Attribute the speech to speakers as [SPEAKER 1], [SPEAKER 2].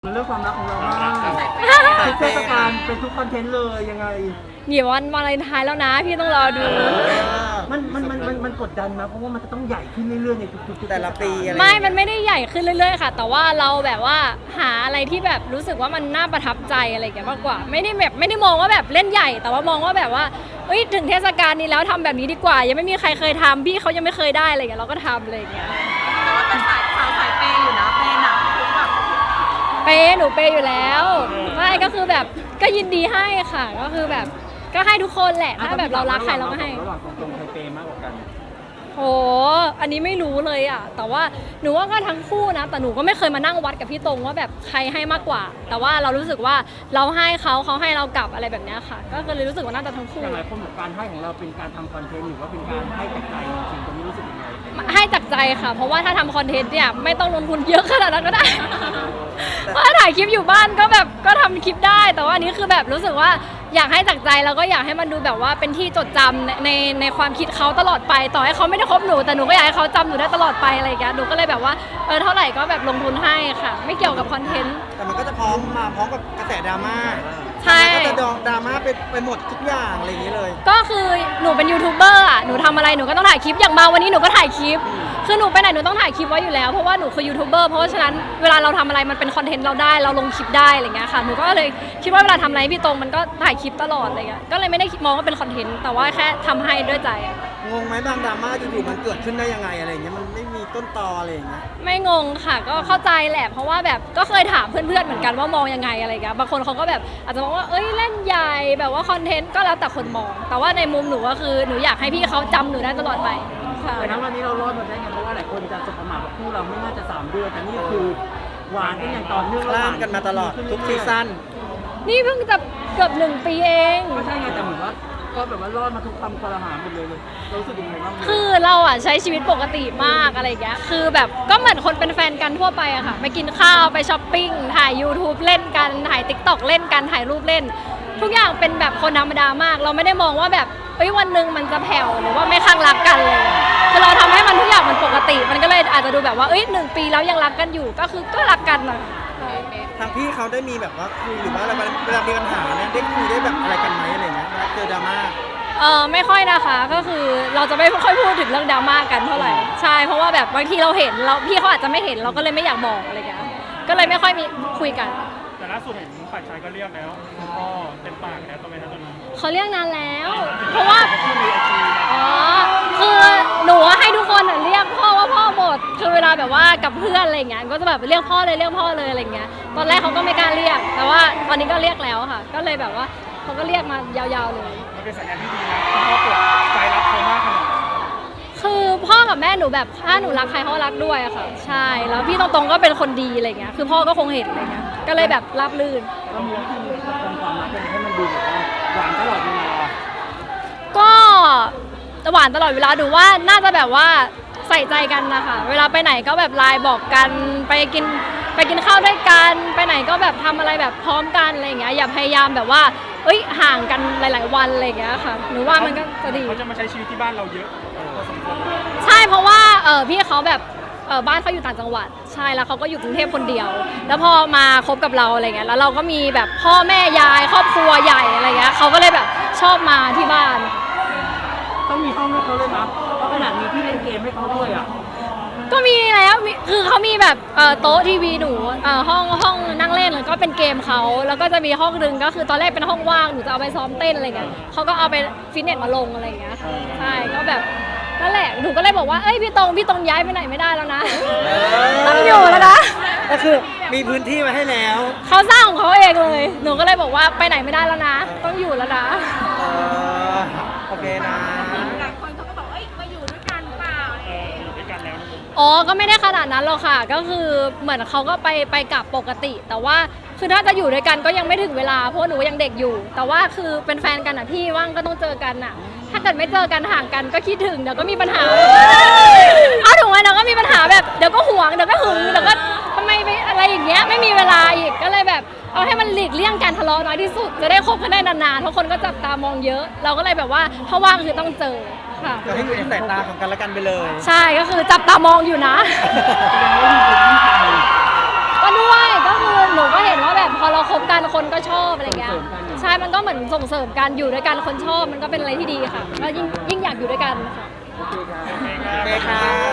[SPEAKER 1] เรื่องความรักของเรามากทุกเทศกาลเป็นทุกคอนเทนต์เลยยังไง
[SPEAKER 2] เดี๋ยววันวาเลนไทน์แล้วนะพี่ต้องรอดู
[SPEAKER 1] มันกดดันนะเพราะว่ามันจะต้องใหญ่ขึ้นเรื่อยๆในทุกๆ
[SPEAKER 3] แต่ละปีอะไร
[SPEAKER 2] มันไม่ได้ใหญ่ขึ้นเรื่อยๆค่ะแต่ว่าเราแบบว่าหาอะไรที่แบบรู้สึกว่ามันน่าประทับใจอะไรอย่างเงี้ยมากกว่าไม่ได้มองว่าแบบเล่นใหญ่แต่ว่ามองว่าแบบว่าถึงเทศกาลนี้แล้วทำแบบนี้ดีกว่ายังไม่มีใครเคยทำพี่เขายังไม่เคยได้อะไรอย่างเงี้ยเราก็ทำอะไรอย่างเงี้ย
[SPEAKER 4] แต่ว่าเป็นสายเปย์อยู่นะเปย์หนักทุกแบบ
[SPEAKER 2] หนูเปย์อยู่แล้วไม่ก็คือแบบก็ยินดีให้ค่ะก็คือแบบก็ให้ทุกคนแหละถ้าแบบเรารักใครเราก็ให้
[SPEAKER 1] ระหว่างตรงใครเปย์มากกว่ากัน
[SPEAKER 2] โหอันนี้ไม่รู้เลยอ่ะแต่ว่าหนูว่าก็ทั้งคู่นะแต่หนูก็ไม่เคยมานั่งวัดกับพี่ตรงว่าแบบใครให้มากกว่าแต่ว่าเรารู้สึกว่าเราให้เขาให้เรากลับอะไรแบบนี้ค่ะก็เลยรู้สึกว่าน่าจะทั้งคู่
[SPEAKER 1] อย่างไรคนบอกการให้ของเราเป็นการทำคอนเทนต์หรือว่าเป็นการให้จากใจจริงๆตรงนี้รู้สึกยังไง
[SPEAKER 2] ให้จากใจค่ะเพราะว่าถ้าทำคอนเทนต์เนี่ยไม่ต้องลงทุนเยอะขนาดนั้นก็ได้เพราะถ่ายคลิปอยู่บ้านก็แบบก็ทำคลิปได้แต่ว่าอันนี้คือแบบรู้สึกว่าอยากให้จากใจแล้วก็อยากให้มันดูแบบว่าเป็นที่จดจำในความคิดเขาตลอดไปต่อให้เขาไม่ได้คบหนูแต่หนูก็อยากให้เขาจำหนูได้ตลอดไปอะไรอย่างเงี้ยหนูก็เลยแบบว่าเท่าไหร่ก็แบบลงทุนให้ค่ะไม่เกี่ยวกับคอนเทนต์
[SPEAKER 3] แต่มันก็จะพร้อมกับกระแสดราม่า
[SPEAKER 2] ใช่
[SPEAKER 3] ก็จะดราม่าไปหมดทุกอย่างอะไรอย่างนี้เลย
[SPEAKER 2] ก็คือหนูเป็นยูทูบเบอร์อ่ะหนูทำอะไรหนูก็ต้องถ่ายคลิปอย่างมาวันนี้หนูก็ถ่ายคลิปคือหนูไปไหนหนูต้องถ่ายคลิปไว้อยู่แล้วเพราะว่าหนูคือยูทูบเบอร์เพราะฉะนั้นเวลาเราทำอะไรมันเป็นคอนเทนต์เราได้เราลงคลิปได้อะไรเงี้ยค่ะหนูก็เลยคิดว่าเวลาทำอะไรพี่ตรงมันก็ถ่ายคลิปตลอดอะไรเงี้ยก็เลยไม่ได้มองว่าเป็นคอนเทนต์แต่ว่าแค่ทำให้ด้วยใจ
[SPEAKER 3] งงไหมบางดราม่าอยู่ๆมันเกิดขึ้นได้ยังไงอะไรอย่างเงี้ยมันไม่มีต้นตออะไรอย่างเงี้ย
[SPEAKER 2] ไม่งงค่ะก็เข้าใจแหละเพราะว่าแบบก็เคยถามเพื่อนๆเหมือนกันว่ามองยังไงอะไรเงี้ยบางคนเขาก็แบบอาจจะมองว่าเล่นใหญ่แบบว่าคอนเทนต์ก็แล้วแต่คนมองแต่ว่าในมุมหนูก็คือหนูอยากให้พี่เขาจำหนูได้ตลอดไป
[SPEAKER 1] แต่ณวันนี้เรารอดมาได้ไงเพราะว่าหลายคนจะสบประมาทว่าคู่เราไม่น่าจะ3 เดือนแต่นี่คือหวานกันอย่างต่อเนื่อง
[SPEAKER 3] ล่ามกันมาตลอดทุกซีซั่น
[SPEAKER 2] นี่เพิ่งจะเกือบ1 ปีเอง
[SPEAKER 1] ก็ใช่ไงแต่เหมือนว่าก็แบบว่ารอดมาทุกคำคอรหาหมดเลยรู้สึกยังไงบ้าง
[SPEAKER 2] คือเราอ่ะใช้ชีวิตปกติมากอะไรอย่างเงี้ยคือแบบก็เหมือนคนเป็นแฟนกันทั่วไปอะค่ะไปกินข้าวไปช้อปปิ้งถ่าย YouTube เล่นกันถ่าย TikTok เล่นกันถ่ายรูปเล่นทุกอย่างเป็นแบบคนธรรมดามากเราไม่ได้มองว่าแบบวันหนึ่งมันจะแผ่วหรือว่าไม่ข้างรักกันเลยคือเราทำให้มันทุกอย่างมันปกติมันก็เลยอาจจะดูแบบว่า1 ปีแล้วยังรักกันอยู่ก็คือก็รักกันนะ
[SPEAKER 3] ทางพี่เขาได้มีแบบว่าคุยหรือว่าเวลามีปัญหาเนี่ยได้คุยได้แบบอะไรกันไหมอะไรเงี้ยเจอดราม่า
[SPEAKER 2] ไม่ค่อยนะคะก็คือเราจะไม่ค่อยพูดถึงเรื่องดราม่ากันเท่าไหร่ใช่เพราะว่าแบบบางทีเราเห็นเราพี่เขาอาจจะไม่เห็นเราก็เลยไม่อยากบอกอะไรเงี้ยก็เลยไม่ค่อยมีคุยกัน
[SPEAKER 5] แต่ล่าสุดเห็นฝ่ายชายก็เรียกแล้วคุณพ่อเต็มปากแล้วตอนนี้ตอนนี้
[SPEAKER 2] เขาเรียกนานแล้วเพราะว่าคือหนูให้ทุกคนเรียกพ่อว่าพ่อหมดคือเวลาแบบว่ากับเพื่อนอะไรเงี้ยก็จะแบบเรียกพ่อเลยอะไรเงี้ยตอนแรกเขาก็ไม่กล้าเรียกแต่ว่าตอนนี้ก็เรียกแล้วค่ะก็เลยแบบว่าเขาก็เรียกมายาวๆเลย
[SPEAKER 5] มันเป็นสัญญาณที่ดีนะคุณพ่อเปิดใจรับเขามากขนาดนั้น
[SPEAKER 2] คือพ่อกับแม่หนูแบบถ้าหนูรักใครเขารักด้วยอะค่ะใช่แล้วพี่ตรงๆก็เป็นคนดีอะไรเงี้ยคือพ่อก็คงเห็นอะไรเงี้ยก็เลยแบบราบรื่น
[SPEAKER 1] เรามีวิธีประคองความรักให้มันดูแบบว่าหวานตลอดเวลา
[SPEAKER 2] ก็หวานตลอดเวลาดูว่าน่าจะแบบว่าใส่ใจกันนะคะเวลาไปไหนก็แบบไลน์บอกกันไปกินข้าวด้วยกันไปไหนก็แบบทำอะไรแบบพร้อมกันอะไรเงี้ยอย่าพยายามแบบว่าห่างกันหลายๆวันอะไรเงี้ยค่ะหนูว่ามันก็จะดี
[SPEAKER 5] เขาจะมาใช้ชีวิตที่บ้านเราเยอะพอสมควร
[SPEAKER 2] ใช่เพราะว่าพี่เขาแบบบ้านเขาอยู่ต่างจังหวัดใช่แล้วเขาก็อยู่กรุงเทพคนเดียวแล้วพอมาคบกับเราอะไรเงี้ยแล้วเราก็มีแบบพ่อแม่ยายครอบครัวใหญ่อะไรเงี้ยเขาก็เลยแบบชอบมาที่บ้าน
[SPEAKER 1] ต้องมีห้องให้เขาเลยนะเพราะขนาดมีที่เล่นเกมให้เขาด้วยอ่ะ
[SPEAKER 2] ก็มีแล้วคือเขามีแบบโต๊ะทีวีหนูห้องนั่งเล่นแล้วก็เป็นเกมเขาแล้วก็จะมีห้องนึงก็คือตอนแรกเป็นห้องว่างหนูจะเอาไปซ้อมเต้นอะไรเงี้ยเขาก็เอาไปฟิตเนสมาลงอะไรเงี้ยใช่ก็แบบนั่นแหละหนูก็เลยบอกว่าพี่ตรงย้ายไปไหนไม่ได้แล้วนะต้องอยู่แล้วนะ
[SPEAKER 3] ก็คือมีพื้นที่มาให้แล้ว
[SPEAKER 2] เขาสร้างของเขาเองเลยหนูก็เลยบอกว่าไปไหนไม่ได้แล้วนะต้องอยู่แล้วนะ
[SPEAKER 3] โอเคนะ
[SPEAKER 4] หลายคนเขาก็บอกมาอยู่ด้วยกันเปล่า
[SPEAKER 5] อยู่ด้วยกันแล้ว
[SPEAKER 2] ก็ไม่ได้ขนาดนั้นหรอกค่ะก็คือเหมือนเขาก็ไปกลับปกติแต่ว่าคือถ้าจะอยู่ด้วยกันก็ยังไม่ถึงเวลาเพราะหนูยังเด็กอยู่แต่ว่าคือเป็นแฟนกันอ่ะพี่ว่างก็ต้องเจอกันอ่ะถ้าเกิดไม่เจอกันห่างกันก็คิดถึงเดี๋ยวก็มีปัญหาเอาถูกไหมเดี๋ยวก็มีปัญหาแบบเดี๋ยวก็หวงเดี๋ยวก็หึงเดี๋ยวก็ทำไมไปอะไรอย่างเงี้ยไม่มีเวลาอีกก็เลยแบบเอาให้มันหลีกเลี่ยงการทะเลาะน้อยที่สุดจะได้คบกันได้นานๆเพราะคนก็จับตามองเยอะเราก็เลยแบบว่าถ้าว่างคือต้องเจอค่ะ
[SPEAKER 3] ก็ให้อยู่ในสายตาของกันและกันไปเลย
[SPEAKER 2] ใช่ก็คือจับตามองอยู่นะก็ด้วยก็คือหนูก็เห็นว่าแบบพอเราคบกันคนก็ชอบอะไรเงี้ยใช่มันก็เหมือนส่งเสริมกันอยู่ด้วยกันคนชอบมันก็เป็นอะไรที่ดีค่ะก็ยิ่งอยากอยู่ด้วยกันค่ะ
[SPEAKER 1] โอเคครับ
[SPEAKER 3] โอเคค่ะ